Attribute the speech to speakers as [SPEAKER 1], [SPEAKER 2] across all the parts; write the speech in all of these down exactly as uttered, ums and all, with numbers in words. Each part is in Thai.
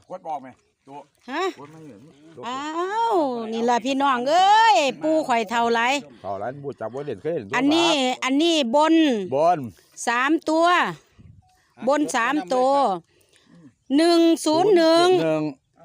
[SPEAKER 1] กดบอกไหมตัว
[SPEAKER 2] ฮะ
[SPEAKER 1] กดไม่เหมือน
[SPEAKER 2] อ้าวนี่ล่ะพี่น้องเอ้ยปูข่อยเท่าไร
[SPEAKER 1] เท่าไรบูจับว่าเด่นเคยเห็น
[SPEAKER 2] อันนี้อันนี้บน
[SPEAKER 1] บน
[SPEAKER 2] สามตัว บนสามตัวหนึ่งศูนย์หนึ่ง
[SPEAKER 1] หนึ่ง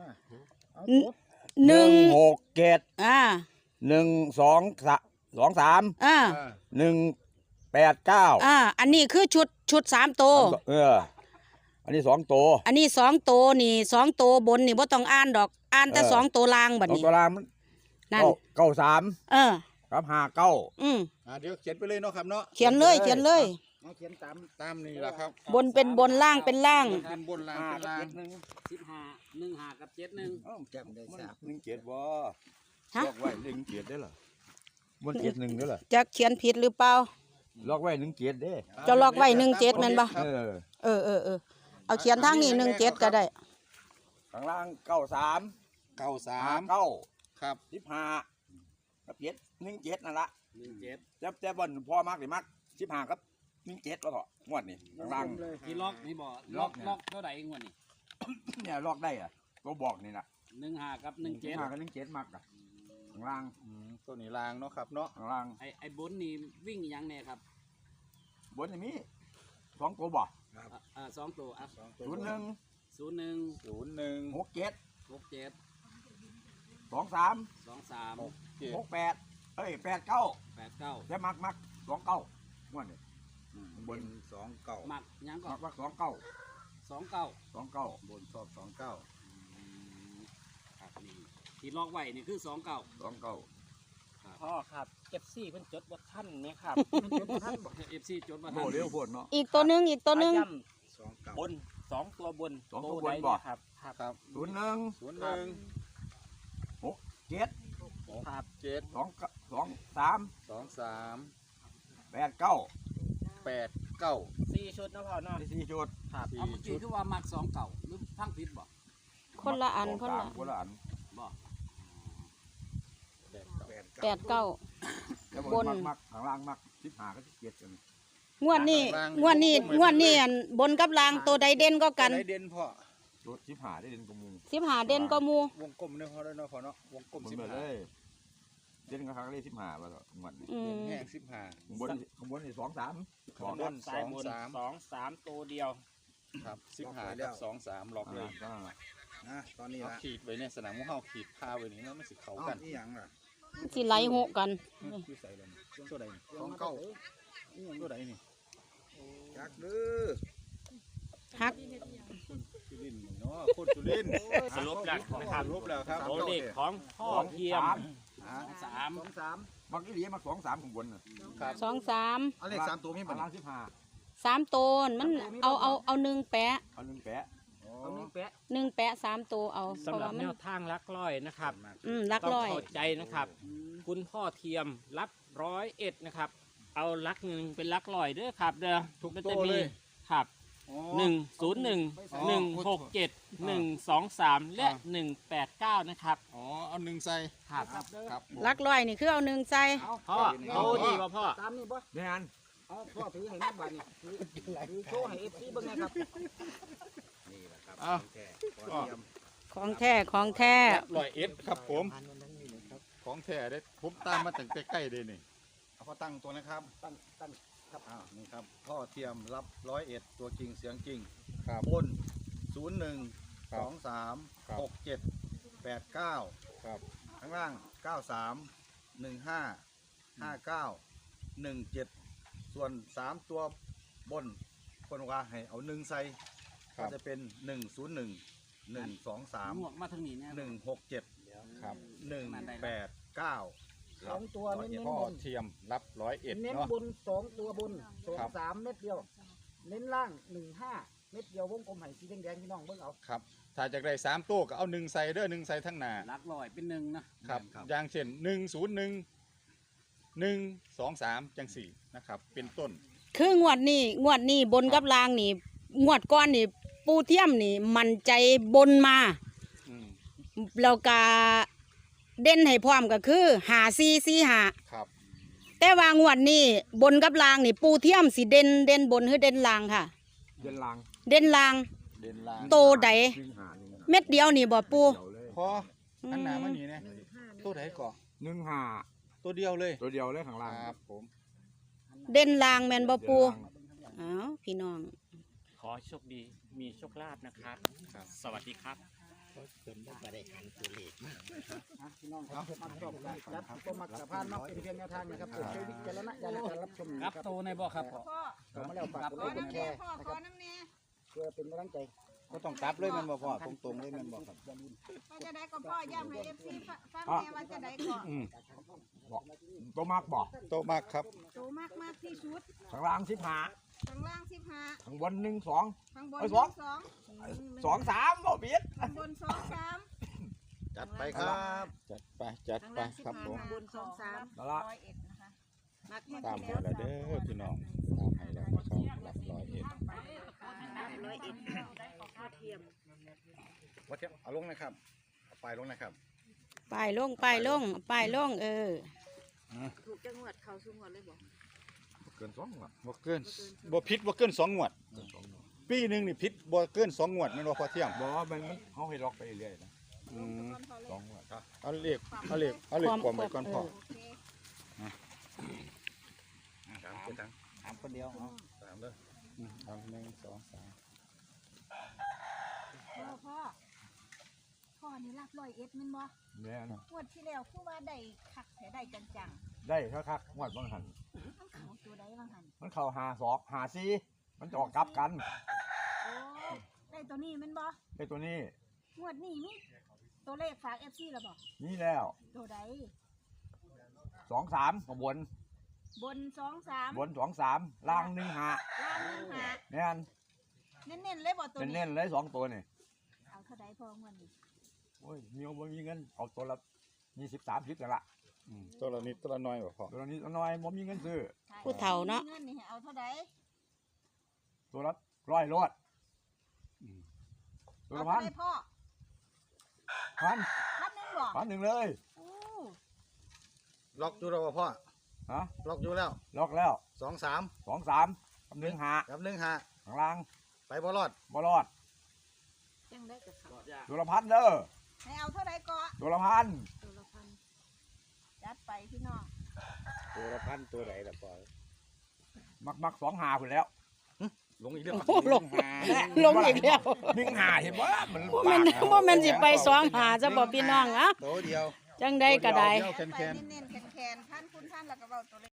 [SPEAKER 2] หนึ่ง
[SPEAKER 1] หกเจ็ด
[SPEAKER 2] อ่า
[SPEAKER 1] หนึ่งสองสองสาม
[SPEAKER 2] อ่า
[SPEAKER 1] หนึ่งแปดเก้า
[SPEAKER 2] อ่าอันนี้คือชุดชุดสามตัว
[SPEAKER 1] เอออันนี้สองตัว
[SPEAKER 2] อันนี้สองตัวนี่สองตัวบนนี่บ่ต้องอ่านดอกอ่านแต่สองตัวล่างบัด
[SPEAKER 1] สอง
[SPEAKER 2] นี้
[SPEAKER 1] ตัวล่างมัน
[SPEAKER 2] นั่น
[SPEAKER 1] เก้าสาม
[SPEAKER 2] เออ
[SPEAKER 1] ครับห้าเก้า
[SPEAKER 2] อืม
[SPEAKER 3] อ่าเดี๋ยวเขียนไปเลยเนาะครับเนาะ
[SPEAKER 2] เขียนเลยเขียนเลย
[SPEAKER 3] เขียนตามตามนี่แหละครับ
[SPEAKER 2] บนเป็นบนล่างเป็นล่าง
[SPEAKER 3] เป็นบนล่างเป็นล่าง
[SPEAKER 4] สิบห้าหนึ่งห้ากับเจ็ดหนึ่ง
[SPEAKER 3] จำได้ทราบ
[SPEAKER 1] หนึ่งเจ็ดบ่
[SPEAKER 2] ฮะ
[SPEAKER 1] ล็อกไว้หนึ่งเจ็ดได้เหรอมันเจ็ดหนึ่งได้เหรอ
[SPEAKER 2] จะเขียนผิดหรือเปล่า
[SPEAKER 1] ล็อกไว้หนึ่งเจ็ดเด้
[SPEAKER 2] จะล็อกไว้หนึ่งเจ็ดแม่นบ่
[SPEAKER 1] เออ
[SPEAKER 2] เออเออเออเอาเขียนทางนี้หนึ่งเจ็ดก็ได้
[SPEAKER 1] ข้างล่างเก้าสาม
[SPEAKER 3] เก้าสา
[SPEAKER 1] ห้าม เก้า
[SPEAKER 3] ครับ
[SPEAKER 1] สิบห้ากับเจ็ดหนึ่งเจ็ดนั่นละ
[SPEAKER 4] หนึ่งเจ็ด
[SPEAKER 1] แต่แต่บอลพ่อมากหรือมากสิบห้ากับหนึ่งเจ็ดแล้วเถอะงวดนี่ข้างล่าง
[SPEAKER 4] ที่ล็อกนี่บอก
[SPEAKER 1] ล็
[SPEAKER 4] ล็
[SPEAKER 1] อ
[SPEAKER 4] อก ก
[SPEAKER 1] เนี่ย
[SPEAKER 4] ล็อกเท่าไหร่งวดนี่
[SPEAKER 1] เนี่ยล็อกได้อะตัวบอกนี่นะ
[SPEAKER 4] หนึ่งห้ากับหนึ่งเจ็ด
[SPEAKER 1] ห้ากับหนึ่งเจ็ดมากอะข้างล่าง
[SPEAKER 3] อืมตัวนี้ล่างเนาะครับเนาะ
[SPEAKER 1] ข้างล่าง
[SPEAKER 4] ไอไอบนนี่วิ่งยังเนี่ยครับ
[SPEAKER 1] บนอย่างนี้สองตัวบ่
[SPEAKER 4] อ่ะอ่าสองตัวอ่ะ
[SPEAKER 1] ศูนย์หนึ่ง
[SPEAKER 4] ศูนย์หนึ่ง
[SPEAKER 3] ศูนย์หนึ่ง
[SPEAKER 1] หกเจ็ด
[SPEAKER 4] หกเจ็ด
[SPEAKER 1] สองสาม
[SPEAKER 4] สองสาม
[SPEAKER 3] เจ็ด
[SPEAKER 1] หกแปดเอ้ยแปดเก้า
[SPEAKER 4] แปดเก้า
[SPEAKER 1] แต่มักมักสองเก้างวดนี่บน
[SPEAKER 3] สองเก้า
[SPEAKER 4] มักยังก็
[SPEAKER 1] มักมักสองเก้า
[SPEAKER 4] สองเก้า
[SPEAKER 1] สองเก้า
[SPEAKER 3] บนชอบสองเก้า
[SPEAKER 4] ครับนี่ที่ล็อกไว้นี่คือสองเก้า
[SPEAKER 1] สองเก้า
[SPEAKER 5] พ่อครับเอฟซีเพิ่นจดบ่ทันเนี่ยครับ
[SPEAKER 4] เอฟซีจดมา
[SPEAKER 1] โบเลี้ยวโพดเนาะ
[SPEAKER 2] อีกตัวหนึงอีกตัวหนึง
[SPEAKER 5] ย้
[SPEAKER 3] สองเก้า
[SPEAKER 5] ำบนสองตัวบน
[SPEAKER 1] สองตัวบน
[SPEAKER 5] ใด
[SPEAKER 1] บ่
[SPEAKER 5] เยครับครับ
[SPEAKER 3] ครับ
[SPEAKER 1] ศูนย์หนึ่ง
[SPEAKER 3] ศูนย์หนึ่ง
[SPEAKER 1] เจ็ด
[SPEAKER 5] ครับ
[SPEAKER 3] เจ็ด
[SPEAKER 1] สองเก้าสองสาม
[SPEAKER 3] สองสาม
[SPEAKER 1] แปดเก้า
[SPEAKER 3] แปดเก้า
[SPEAKER 5] สี่ชุดเนาะพ่อเนาะ
[SPEAKER 1] ที่สี่ชุด
[SPEAKER 5] ครับ
[SPEAKER 3] สี่
[SPEAKER 4] เอาเมื่อกี้
[SPEAKER 3] ชุด
[SPEAKER 4] คือว่ามักสองเก้าหรือทั้งผิดบ่
[SPEAKER 2] คนละอัน
[SPEAKER 1] สง
[SPEAKER 2] คน
[SPEAKER 1] สา
[SPEAKER 2] ละ
[SPEAKER 1] มคนละอัน
[SPEAKER 4] บ่
[SPEAKER 3] แปดเก้า
[SPEAKER 2] แปดเก้า
[SPEAKER 1] แล้ว
[SPEAKER 2] บบ น
[SPEAKER 1] นมักมักข้างล่างมักสิบห้ากับสิบเจ็ดกัน
[SPEAKER 2] งวดนี้งวดนี้งวดนี้อันบนกับล่างตัวใดเด่นก็กัน
[SPEAKER 3] ได้เด่นพ่อ
[SPEAKER 1] ชุดสิบห้าได้เด่นกว่าหมู
[SPEAKER 2] สิบหาเด่นก็หมู
[SPEAKER 3] วงกลมเนี่ยพ่อได้เนาะพ่อเนาะวงกลม
[SPEAKER 1] บน
[SPEAKER 3] สิบ
[SPEAKER 1] เบิดเล
[SPEAKER 3] ห้าย
[SPEAKER 1] เด่นกับครั้งเลขสิบห้าว่าต่อหมดนี่
[SPEAKER 2] อื
[SPEAKER 3] เด่น
[SPEAKER 2] ม
[SPEAKER 3] แห้งสิบห้า
[SPEAKER 1] ข้างบนข้างบนนี่สองสามสอง
[SPEAKER 3] บน
[SPEAKER 5] สายบน
[SPEAKER 3] สองสาม
[SPEAKER 5] สองสามตัวเดียว
[SPEAKER 3] ครับสิบห้ากับสองสามล็อกเลย
[SPEAKER 1] อ่า
[SPEAKER 3] นะตอนนี้ละขีดไว้เนี่ยสนามมุ้งเฮาขีดพาไว้นี่แล้วมันสิเข้ากัน
[SPEAKER 6] นี่ยังล่ะ
[SPEAKER 2] สิไหลหกกัน
[SPEAKER 3] คือใส่เลยตัวใดสองเก้านี่ยังตัวใดนี่
[SPEAKER 6] จักดื้อ
[SPEAKER 2] ฮัก
[SPEAKER 3] สุรินทร์เนาะคนสุรินทร์
[SPEAKER 5] สรุปแล้วนะครับ
[SPEAKER 3] สรุปแล้วครับ
[SPEAKER 5] ตัวเลขของพ่อเทียม
[SPEAKER 4] สาม
[SPEAKER 6] สองสาม
[SPEAKER 1] มักที่เหลียมักสองสามข้างบนน่ะ
[SPEAKER 3] ครับ
[SPEAKER 2] สองสาม
[SPEAKER 6] เอาเลขสามตัวมี
[SPEAKER 1] ข้า
[SPEAKER 6] บ่
[SPEAKER 1] งล่างสิบห้า
[SPEAKER 2] สามตัวมันเอาเอาเอาหนึ่งแปะ
[SPEAKER 1] เอาหนึ่งแปะ
[SPEAKER 6] เอาหนึ่งแปะ
[SPEAKER 2] หนึ่งแปะสามตัวเอาเพ
[SPEAKER 5] สำ
[SPEAKER 2] ราะ
[SPEAKER 5] หรั
[SPEAKER 2] ว่า
[SPEAKER 5] บ
[SPEAKER 2] มั
[SPEAKER 5] แน
[SPEAKER 2] น
[SPEAKER 5] วทางลักร้อยนะครับ
[SPEAKER 2] อืมลัก
[SPEAKER 5] ต้อง
[SPEAKER 2] ร้อย
[SPEAKER 5] เข้าใจนะครับ คุณพ่อเทียมรับร้อยเอ็ดนะครับ เอาลักหนึ่งเป็นลักร้อยเด้อครับเด้อ
[SPEAKER 3] ทุก
[SPEAKER 5] มัน
[SPEAKER 3] โต
[SPEAKER 5] จะ
[SPEAKER 3] เล
[SPEAKER 5] มี
[SPEAKER 3] ย
[SPEAKER 5] ครับ
[SPEAKER 3] อ๋อ
[SPEAKER 5] หนึ่งศูนย์หนึ่งหนึ่งหกเจ็ดหนึ่งสองสามและหนึ่งแปดเก้านะครับ
[SPEAKER 3] อ๋อเอาหนึ่งใส่
[SPEAKER 5] ครับ
[SPEAKER 3] ครับผม
[SPEAKER 2] ลักร้อยนี่คือเอาหนึ่งใส่
[SPEAKER 5] พ่อเอาดีป่ะพ่อ
[SPEAKER 6] ตามนี่บ่
[SPEAKER 1] เนี่ยอัน
[SPEAKER 6] เอาพ่อถือให้แม่บ้านนี่ถือถือโชว์ให้เอฟซีเบิ่งนะครับนี่แหละครับ
[SPEAKER 3] อ้าว
[SPEAKER 6] แท้ขอเตรียม
[SPEAKER 2] ของแท้ของแท้
[SPEAKER 3] ร้อยเอ็ดครับผม ของแท้ได้ผมตามมาตั้งใกล้ๆเลยนี่
[SPEAKER 6] เอาพ่อตั้งตัวนะครับตั้งตั้งครับอ้าวนี่ครับพ่อเทียมรับร้อยเอ็ดตัวจริงเสียงจริง
[SPEAKER 3] ครับ
[SPEAKER 6] บนศูนย์หนึ่ง
[SPEAKER 3] ครับ
[SPEAKER 6] สองสาม
[SPEAKER 3] ครับ
[SPEAKER 6] หกเจ็ดแปดเก้า
[SPEAKER 3] ครับ
[SPEAKER 6] ข้างล่างเก้าสามหนึ่งห้าห้าเก้าหนึ่งเจ็ดส่วนสามตัวบนคนว่าให้เอาหนึ่งใส่
[SPEAKER 3] ครั
[SPEAKER 6] ก็
[SPEAKER 3] บ
[SPEAKER 6] จะเป็นหนึ่งศูนย์หนึ่งหนึ่งสองสาม
[SPEAKER 4] หมวกมาทางนี้เนี่ย
[SPEAKER 6] หนึ่งหกเจ็ด
[SPEAKER 3] ครับ
[SPEAKER 6] หนึ่งแปดเก้า
[SPEAKER 3] สองตัวเน้นพ่อเทียมรับร้อยเอ็ด
[SPEAKER 7] เน้น
[SPEAKER 3] เนาะ
[SPEAKER 7] บนสองตัวบนสอง
[SPEAKER 3] ครับ
[SPEAKER 7] สามเม็ดเดียว เน้นล่างหนึ่งห้าเม็ดเดียววงกลมไห่สีแดงๆพี่น้องเบิ่งเอา
[SPEAKER 3] ครับ ถ้าจากได้สามตัวก็เอาหนึ่งใส่เด้อหนึ่งใส่ทั้งหน้า
[SPEAKER 4] ลักลอยเป็นหนึ่งนะครับ
[SPEAKER 3] อย่างเช่นหนึ่งศูนย์หนึ่งหนึ่งสองสามจังสี่นะครับ เป็นต้น
[SPEAKER 2] คืองวดนี้งวดนี้บนกับล่างนี่งวดก้อนนี่ปูเทียมนี่มันใจบนมา
[SPEAKER 3] อืม
[SPEAKER 2] แล้วก็เด่นให้พร้อมก็คือหาซีซีหา
[SPEAKER 3] ครับ
[SPEAKER 2] แต่ว่างวดนี้บนกับล่างนี่ปูเทียมสิเด่นเด่นบนหรือเด่นล่างค่ะ
[SPEAKER 1] เดินลาง
[SPEAKER 2] เด่นล่าง
[SPEAKER 3] เด่นล่าง
[SPEAKER 2] โตใด
[SPEAKER 1] วิ่งหาหนึ่ง
[SPEAKER 2] เม็ดเดียวนี่บ่ปู
[SPEAKER 1] เดียวเลย
[SPEAKER 3] พออันหนามันนี่เนี่ยตัวไหนก่อ
[SPEAKER 1] หนึ่งห้า
[SPEAKER 3] ตัวเดียวเลย
[SPEAKER 1] ตัวเดียวเลยข้างล่าง
[SPEAKER 3] ครับผม
[SPEAKER 2] เด่นลางแม่นบ่ปู
[SPEAKER 1] เดี๋ยวล่าง
[SPEAKER 2] อ้าวพี่น้อง
[SPEAKER 5] ขอให้โชคดีมีโชคลาภนะครับ สวัสดีครับ
[SPEAKER 7] อ่ะพี่น้องครับมักชอบรับก็มักสะพานมักเป็นเพียงแนวทางนะครับโปรดใช้วิจารณญาณในการรับชม
[SPEAKER 4] ครับโตในบ่ครับพ่อ
[SPEAKER 7] ขอมาแล้วฝากกดไลค์กดแชร์นะครับเพื่อเป็นกำลังใจ
[SPEAKER 6] ก็ต้องกลับเลยแมันบ่พ่อตรงๆเลยแมันบ่ครับ
[SPEAKER 7] อย่าลืม
[SPEAKER 8] ว่าจะได้ก็พ่อย้ำให้เอฟซีฟังแม่ว่าจะได้ก็
[SPEAKER 1] อืมบอกตัวมากบอก
[SPEAKER 3] โตมากครับ
[SPEAKER 8] โตมากมากที่สุด
[SPEAKER 1] ข้างล่างสิบห้า
[SPEAKER 8] ข้างล่างสิบห้า
[SPEAKER 1] ข้างบนหนึ่งสอง
[SPEAKER 8] ข้างบน
[SPEAKER 1] เอ้ย
[SPEAKER 8] ส
[SPEAKER 1] ส
[SPEAKER 8] อ
[SPEAKER 1] อง ง
[SPEAKER 8] สอง
[SPEAKER 1] สองสามบ่เบียด
[SPEAKER 8] ข้างบนสองสาม
[SPEAKER 6] จัดไปครับ
[SPEAKER 3] จัดไปจัด
[SPEAKER 8] ข้าง
[SPEAKER 3] ไป
[SPEAKER 8] ล่างสิบ
[SPEAKER 3] ครับ
[SPEAKER 8] ห้า
[SPEAKER 3] ผม
[SPEAKER 8] ข้างบนสองสาม
[SPEAKER 1] นั่นละ
[SPEAKER 8] ร้อยเอ็ดนะคะมัก
[SPEAKER 3] ตามให้แล้วเด้อพี่น้องตามให้แล้วนะครับรับร้อยเอ็ด
[SPEAKER 8] ร้อยเอ็ด
[SPEAKER 6] ว่าเทียบเอาลงนะครับเอาไปลงนะครับ
[SPEAKER 2] ป้ายลงป้ายลงป้ายลงเออ
[SPEAKER 8] ถูกจังหวัดเขาสุงหวัดเลยบอก
[SPEAKER 1] เกินสองหรอ
[SPEAKER 3] บ่เกินบ่ผิดบ่เกินสองงวด ปีหนึงนี่ผิดบ่เกินสองงวดแม่นบ่พอเที่ยง
[SPEAKER 1] บอกว่ามันมันเขาให้ล็อกไปเรื่อยๆนะ
[SPEAKER 3] อืม
[SPEAKER 1] สองวัน
[SPEAKER 3] เอาเลขเอาเลขเอาเลขความไว้ก่อนพ่อ
[SPEAKER 8] โอเค
[SPEAKER 6] ถามคนถามคนเดียวเอาถามเลย
[SPEAKER 3] อืมเอาหนึ่งสองสาม
[SPEAKER 8] พ่อพ่อพ่อนี่รับร้อยเอ็ดมันบ่
[SPEAKER 1] เนี่ยนะ
[SPEAKER 8] งวดที่แล้วคือว่าได้คักแต่ได้จัง
[SPEAKER 1] ได้คักๆงวดบางหัน
[SPEAKER 8] ๆมันเขาตัวใดบางหัน
[SPEAKER 1] มันเข้าหาสองหาสี่มันจะออกกลับกัน
[SPEAKER 8] โอ้ได้ตัวนี้มันบ่
[SPEAKER 1] ไอ้ตัวนี้
[SPEAKER 8] งวดนี้มีตัวเลขฝากเอฟซีแล้วบ่
[SPEAKER 1] นี่แล้ว
[SPEAKER 8] ตัวใด
[SPEAKER 1] สองสามข้างบน
[SPEAKER 8] บนสองสาม
[SPEAKER 1] บนสองสามล่างหนึ่งหา
[SPEAKER 8] ล่างหนึ่งหา
[SPEAKER 1] เนี่ย
[SPEAKER 8] เน้นๆเลยบ่ตัวนี้
[SPEAKER 1] เน้นๆเลยสองตัวนี่
[SPEAKER 8] เอาเท่าใดพองวดนี้
[SPEAKER 1] โอ้ยมีเอาบ่มีเงินเอาตัวละยี่สิบสามสิบแต่ละ
[SPEAKER 3] อืมตัวละนิดตัวละน้อยบ่พ่อ
[SPEAKER 1] ตัวละนี้ตัวน้อยบ่มีเงินซื้อ
[SPEAKER 2] ผู้เฒ่าเนาะ
[SPEAKER 8] เงินนี่ให้เอาเท่าใด
[SPEAKER 1] ตัวละร้อยรอดตัว
[SPEAKER 8] เอา
[SPEAKER 1] ละพั
[SPEAKER 8] เท่าน ใดพ่อ
[SPEAKER 1] พัน
[SPEAKER 8] พันหนึ่งบ่
[SPEAKER 1] พันหนึ่งเลย
[SPEAKER 8] โอ้
[SPEAKER 6] ล็อกอยู่แล้วบ่พ่อ
[SPEAKER 1] ฮะ
[SPEAKER 6] ล็อกอยู่แล้ว
[SPEAKER 1] ล็อกแล้ว
[SPEAKER 6] สองสาม
[SPEAKER 1] สองสามกับหนึ่งหา
[SPEAKER 6] กับหนึ่งห้า
[SPEAKER 1] ข้างล่าง
[SPEAKER 6] ไปบ่รอด
[SPEAKER 1] บ่รอด
[SPEAKER 8] จังได้กับเขา
[SPEAKER 1] ตัวละพันเด้อ
[SPEAKER 8] ให้เอาเท่าใดก็
[SPEAKER 1] ตัวละพัน
[SPEAKER 8] ตัวละพันจัดไปพี่น้อง
[SPEAKER 6] ตัวละพันตัวไหนล่ะพ่อ
[SPEAKER 1] มักมักสองหาคุณแล้ว
[SPEAKER 6] ลงอีกแล้ว
[SPEAKER 2] โอ้ลงลงอีกแล้ว
[SPEAKER 1] หนึ่งหาเห็นว่ามัน
[SPEAKER 2] บ่แม่นบ่แม่นสิไปสองหาซะบ่พี่น้องอะ
[SPEAKER 6] ตัวเดียว
[SPEAKER 2] จังได้ก็ได้
[SPEAKER 3] เดียวแคน
[SPEAKER 8] ไป
[SPEAKER 3] ๆ
[SPEAKER 8] เน้นๆแคนๆพันคุณพันแล้วก็เว้าตัวเลข